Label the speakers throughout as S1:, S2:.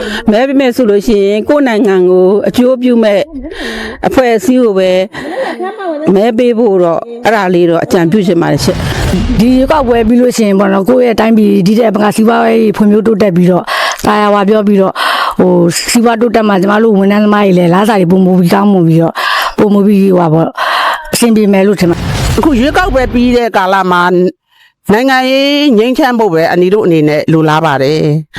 S1: မဲပေးမဲ့ဆိုလို့ရှိရင်ကိုယ်နိုင်ငံကိုအကျိုးပြုမဲ့အဖွဲ့အစည်းကိုပဲမဲပေးဖို့တော့အဲ့ဒါလေးတော့အကြံပြုချင်ပါတယ်ရှင့်
S2: ဒီရွေးကောက်ပွဲပြီးလို့ရှိရင်ပေါ့နော်ကိုယ့်ရဲ့အတိုင်းပြည်ဒီတဲ့ဘကစီးပွားရေးဖွံ့ဖြိုးတိုးတက်ပြီးတော့တာယာဝါပြောပြီးတော့ဟိုစီးပွားတိုးတက်မှကျမတို့ဝန်ထမ်းသမားတွေလည်းလားစာတွေပုံမူပြီးကောင်းမှုပြီးတော့ပုံမူပြီးဟိုပါပေါ့အဆင်ပြေမယ်လို့ထင်ပါ
S3: အခုရွေးကောက်ပွဲပြီးတဲ့ကာလမှာနိုင်ငံရေးငြိမ်းချမ်းဖို့ပဲအနီတို့အနေနဲ့လိုလားပါတယ်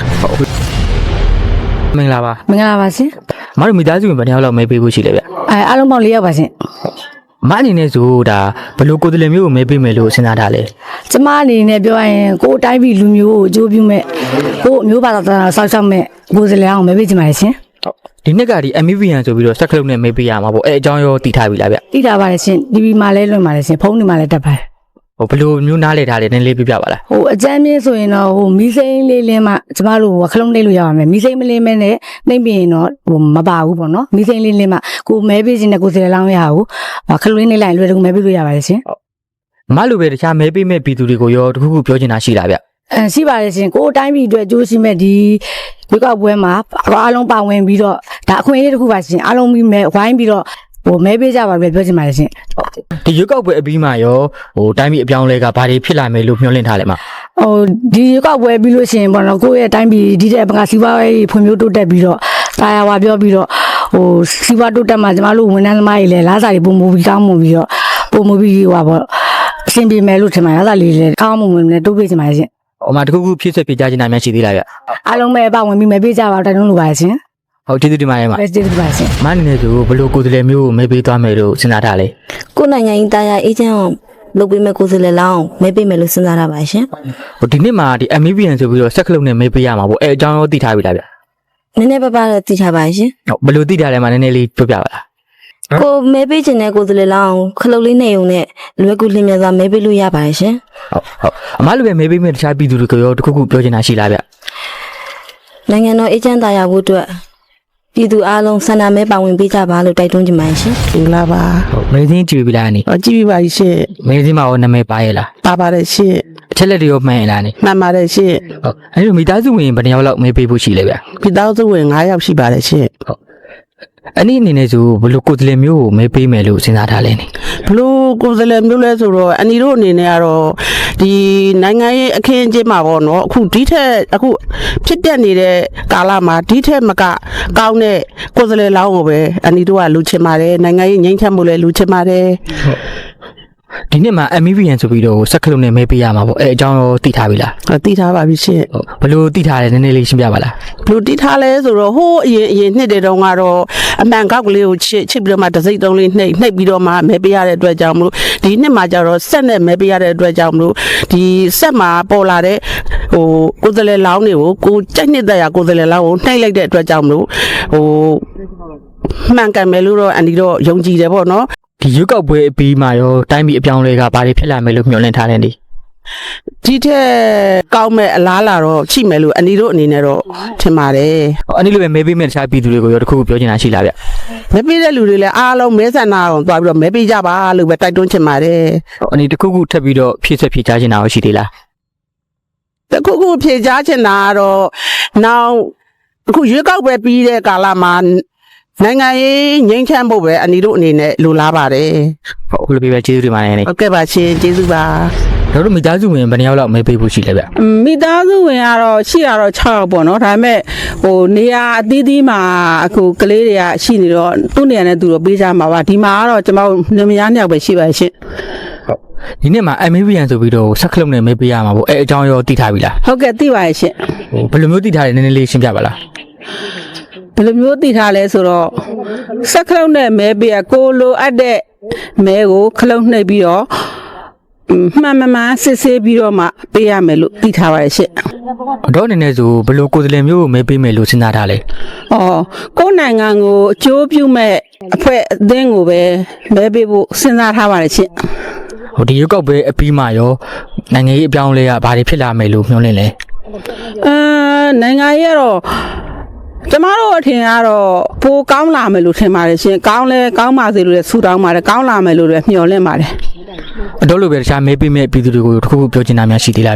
S4: မင်္ဂလာပါ
S2: မင်္ဂလာပါရှင်
S4: မတို့မိသားစုဝင်ဘယ်နှစ်ယောက်လောက်မဲပေးဖို့ရှိလဲဗျ
S2: အားလုံးပေါင်း၄ယောက်ပါရှင်
S4: မအနေနဲ့ဆိုဒါဘယ်လိုကိုယ်တည်းမျိုးကိုမဲပေးမယ်လို့စဉ်းစားထားလဲ
S2: ကျမအနေနဲ့ပြောရရင်ကိုယ်အတိုင်းပြည်လူမျိုးကိုအကျိုးပြုမဲ့ကိုယ်အမျိုးဘာသာဆောက်ရှောက်မဲ့ကိုယ်စလဲအောင်မဲပေးချင်ပါတယ်ရှင်
S4: ဒီနှစ်ကဒီ MVN ဆိုပြီးတော့စက်ကလုံးနဲ့မဲပေးရမှာပေါ့အဲအကြောင်းရောတည်ထားပြီလားဗျ
S2: တိထားပါတယ်ရှင် TV မှာလည်းလွှင့်ပါတယ်ရှင်ဖုန်းတွေမှာလည်းတက်ပါတယ်
S4: ဟိုဘယ်လိုမျိုးနားလဲထားလဲနည်းလေးပြပြပါလား
S2: ဟိုအကြမ်းမြင့်ဆိုရင်တော့ဟိုမီးစိမ်းလေးလင်းမှကျမတို့ခလုံးနှိပ်လို့ရပါမယ်မီးစိမ်းမလင်းမဲနဲ့နှိပ်ပြီးရင်တော့ဟိုမပါဘူးပေါ့နော်မီးစိမ်းလေးလင်းမှကိုမဲပေးခြင်းနဲ့ကိုယ်စလဲလောင်းရအောင်ခလုံးနှိပ်လိုက်လွယ်တကူမဲပေးလို့ရပါတယ်ရှင်
S4: မလိုပဲတခြားမဲပေးမဲ့ပြည်သူတွေကိုရောတခုခုပြောချင်တာရှိလားဗျ
S2: ရှိပါတယ်ရှင်ကိုယ်အတိုင်းပြည်အတွက်ကြိုးရှိမဲ့ဒီဝေကောက်ပွဲမှာအားလုံးပါဝင်ပြီးတော့ဒါအခွင့်အရေးတစ်ခုပါရှင်အားလုံးပြီးမဲဝိုင်းပြီးတော့ဟိုမဲပေးကြပါလို့ပြောချင်ပါတယ်ရှင်
S4: ဒီရွက်ကောက်ပွဲအပြီးမှာရောဟိုတိုင်းပြည်အပြောင်းလဲကဘာတွေဖြစ်လာမယ်လို့မျှော်လင့်ထားလဲမ
S2: ဟိုဒီရွေးကောက်ပွဲပြီးလို့ရှိရင်ပေါ့နော်ကိုယ့်ရဲ့အတိုင်းပြည်ဒီတဲ့ဘကစီးပွားရေးဖွံ့ဖြိုးတိုးတက်ပြီးတော့တာယာဝါပြောပြီးတော့ဟိုစီးပွားတိုးတက်မှကျမတို့ဝန်ထမ်းသမားတွေလည်းလားစာတွေပုံမူပြီးကောင်းမှုပြီးတော့ပုံမူပြီးဟိုပါပေါ့အဆင်ပြေမယ်လို့ထင်ပါတယ်လားစာလေးလည်းကောင်းမှုဝင်လည်းတိုးပေးချင်ပါတယ်ရှင်
S4: ဟိုမှာတခုခုဖြစ်ဆက်ပြကြချင်တာများရှိသေးလားဗျ
S2: အားလုံးပဲပါဝင်ပြီးမဲပေးကြပါတိုက်တွန်းလိုပါတယ်ရှင်
S4: ဟုတ်ကျေးဇူးတင်ပါတယ်မ
S2: ပဲကျေးဇူးတင်ပါတယ်ရှင်
S4: မအနေနဲ့ဆိုဘယ်လိုကိုယ်တည်းမျိုးကိုမဲပေးသွားမယ်လို့စဉ်းစားထားလဲ
S5: ကိုယ်နိုင်ငံရေးတရားအေဂျင့်အောင်လုပ်ပေးမဲ့ကိုယ်စားလှယ်လောင်းမဲပေးမယ်လို့စဉ်းစားရပါရှင်
S4: ဟိုဒီနှစ်မှာဒီ MVN ဆိုပြီးတော့စက်ကလုံးနဲ့မဲပေးရမှာပေါ့အဲအကြောင်းရောတည်ထားပြီလားဗျ
S5: နည်းနည်းပါးပါးတော့သိထားပါရှင်
S4: ဟုတ်ဘယ်လိုတည်ထားလဲမနည်းနည်းလေးပြောပြပါလား
S5: ကိုမဲပေးခြင်းနဲ့ကိုယ်စားလှယ်လောင်းခလုတ်လေးနေုံနဲ့လွယ်ကူလျင်မြန်စွာမဲပေးလို့ရပါတယ်ရှင်
S4: ဟုတ်အမလိုပဲမဲပေးမဲ့တခြားပြည်သူတွေကိုရောတခုခုပြောချင်တာရှိလားဗျ
S5: နိုင်ငံတော်အေဂျင့်တရားဖို့အတွက်ပြည်သူအားလုံးဆန္ဒမဲပါဝင်ပေးကြပါလို့တိုက်တွန်းချင်ပါတယ်ရှင်
S3: မင်္ဂလာပါ
S4: ဟုတ်မဲစင်းကြည့်ပြီလားအနေ
S3: ကြည့်ပြီးပါရှင့်
S4: မဲစင်းမှာရောနာမည်ပါရဲ့လား
S3: ပါပါတယ်ရှင့်
S4: အချက်လက်တွေရောမှန်ရဲ့လားအနေ
S3: မှန်ပါတယ်ရှင့်
S4: ဟုတ်အဲဒီလိုမိသားစုဝင်ဘယ်နှစ်ယောက်လောက်မဲပေးဖို့ရှိလဲဗျ
S3: ပြည်သားစုဝင်9ယောက်ရှိပါတယ်ရှင့်
S4: ဟုတ်အဲ့ဒီအနေနဲ့ဆိုဘယ်လိုကိုယ်တည်းမျိုးကိုမဲပေးမယ်လို့စဉ်းစားထားလဲနေ
S3: ဘလို့ကိုယ်စားလှယ်မျိုးလဲဆိုတော့အနီတို့အနေနဲ့ကတော့ဒီနိုင်ငံရေးအခင်းအကျင်းမှာပေါ့နော်အခုဒီထက်အခုဖြစ်ပျက်နေတဲ့ကာလမှာဒီထက်မကကောင်းတဲ့ကိုယ်စားလှယ်လောင်းကိုပဲအနီတို့ကလူချင်ပါတယ်နိုင်ငံရေးငြိမ်းချမ်းမှုလဲလူချင်ပါတယ်
S4: ဒီနှစ်မှာ MVN ဆိုပြီးတော့စက်ကလုံးနဲ့မဲပေးရမှာပေါ့အဲအကြောင်းရောတည်ထားပြီလား
S3: သိထားပါပြီရှင့်
S4: ဟုတ်ဘယ်လိုတည်ထားလဲနည်းနည်းလေးရှင်းပြပါလား
S3: ဘလို့တီးထားလဲဆိုတော့ဟိုးအရင်နှစ်တွေတုန်းကတော့အမှန်ကောက်ကလေးကိုချစ်ပြီးတော့မှတစိမ့်တုံးလေးနှိပ်ပြီးတော့မှမဲပေးရတဲ့အတွက်ကြောင့်မလို့ဒီနှစ်မှာကျတော့ဆက်နဲ့မဲပေးရတဲ့အတွက်ကြောင့်မလို့ဒီဆက်မှာပေါ်လာတဲ့ဟိုကိုယ်စလဲလောင်းတွေကိုကိုကြိုက်နှစ်သက်ရကိုယ်စလဲလောင်းကိုနှိပ်လိုက်တဲ့အတွက်ကြောင့်မလို့ဟိုမှန်ကန်မယ်လို့တော့အန်ဒီတော့ယုံကြည်တယ်ပေါ့နော်
S4: ဒီရွက်ကောက်ပွဲအပြီးမှာရောတိုင်းပြည်အပြောင်းလဲကဘာတွေဖြစ်လာမယ်လို့မျှော်လင့်ထားလဲနေ
S3: ဒီထက်ကောင်းမဲ့အလားလာတော့ရှိမယ်လို့အန်ဒီတို့အနေနဲ့တော့ထင်ပါတယ်
S4: ဟိုအဲ့ဒီလိုပဲမဲပေးမဲ့တခြားပြည်သူတွေကိုရောတခုခုပြောချင်တာရှိလားဗျ
S3: မဲပေးတဲ့လူတွေလည်းအားလုံးမဲဆန္ဒအောင်သွားပြီးတော့မဲပေးကြပါလို့ပဲတိုက်တွန်းချင်ပါတယ်
S4: ဟိုအနေတခုခုထပ်ပြီးတော့ဖြစ်ဆက်ဖြစ်ချချင်တာရောရှိသေးလား
S3: တခုခုဖြေချချင်တာကတော့နောက်အခုရွေးကောက်ပွဲပြီးတဲ့ကာလမှာနိုင်ငံရေးငြိမ်းချမ်းဖို့ပဲအနီတို့အနေနဲ့လိုလားပါတယ်
S4: ဟုတ်အခုလိုပြပဲကျေးဇူးတင်ပါတယ်နေ
S3: ဟုတ်ကဲ့ပါရှင်ကျေးဇူးပါ
S4: တို့မိသားစုဝင်ဘယ်နှစ်ယောက်လောက်မဲပေးဖို့ရှိလဲဗျ
S1: မိသားစုဝင်ကတော့ရှိရတော့6ယောက်ပေါ့နော်ဒါပေမဲ့ဟိုနေရာအသီးသီးမှာအခုကလေးတွေကရှိနေတော့သူ့နေရာနဲ့သူတော့ပေးကြမှာပါဒီမှာကတော့ကျွန်တော်နေမယား2ယောက်ပဲရှိပါရှင်
S4: ဟုတ်ဒီနှစ်မှာ MVN ဆိုပြီးတော့စက်ကလုံးနဲ့မဲပေးရမှာပေါ့အဲအကြောင်းရောတည်ထားပြီလား
S1: ဟုတ်ကဲ့သိပါရဲ့ရှင်
S4: ဟိုဘယ်လိုမျိုးတည်ထားလဲနည်းနည်းလေးရှင်းပြပါလား
S1: ဘယ်လိုမျိုးသိထားလဲဆိုတော့စက်ခလုံးနဲ့မဲပေးကိုလိုအပ်တဲ့မဲကိုခလုံးနှိပ်ပြီးတော့မှန်မှန်စစ်ဆေးပြီးတော့မှပေးရမယ်လို့သိထားပါရဲ့ရှင့်
S4: တော့အနေနဲ့ဆိုဘယ်လိုကိုယ်တည်းမျိုးကိုမဲပေးမယ်လို့စဉ်းစားထားလဲ
S1: ။အော်ကိုယ်နိုင်ငံကိုအကျိုးပြုမဲ့အဖွဲ့အသင်းကိုပဲမဲပေးဖို့စဉ်းစားထားပါတယ်ရှင့်
S4: ဟိုဒီရွက်ကောက်ပွဲအပြီးမှာရောနိုင်ငံရေးအပြောင်းလဲကဘာတွေဖြစ်လာမယ်လို့မျှော်လင့်လဲ
S1: နိုင်ငံရေးကတော့ကျမတို့အထင်ကတော့ပိုကောင်းလာမယ်လို့ထင်ပါတယ်ရှင်။ကောင်းလဲကောင်းပါစေလို့လည်းဆုတောင်းပါတယ်။ကောင်းလာမယ်လို့လည်းမျှော်လင့်ပါတယ်
S4: အတော့လိုပဲတခြားမဲပေးမဲ့ပြည်သူတွေကိုတခုခုပြောချင်တာများရှိသေးလားဗျ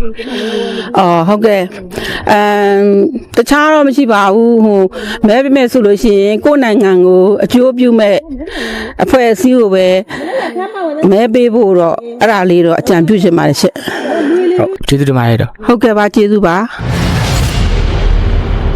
S1: အော်ဟုတ်ကဲ့တခြားတော့မရှိပါဘူးဟိုမဲပေးမဲ့ဆိုလို့ရှိရင်ကိုယ့်နိုင်ငံကိုအကျိုးပြုမဲ့အဖွဲ့အစည်းကိုပဲမဲပေးဖို့တော့အဲ့ဒါလေးတော့အကြံပြုချင်ပါတယ်ရှင့်
S4: ဟုတ်ကျေးဇူးတင်ပါတယ်တော့
S1: ဟုတ်ကဲ့ပါကျေးဇူးပါ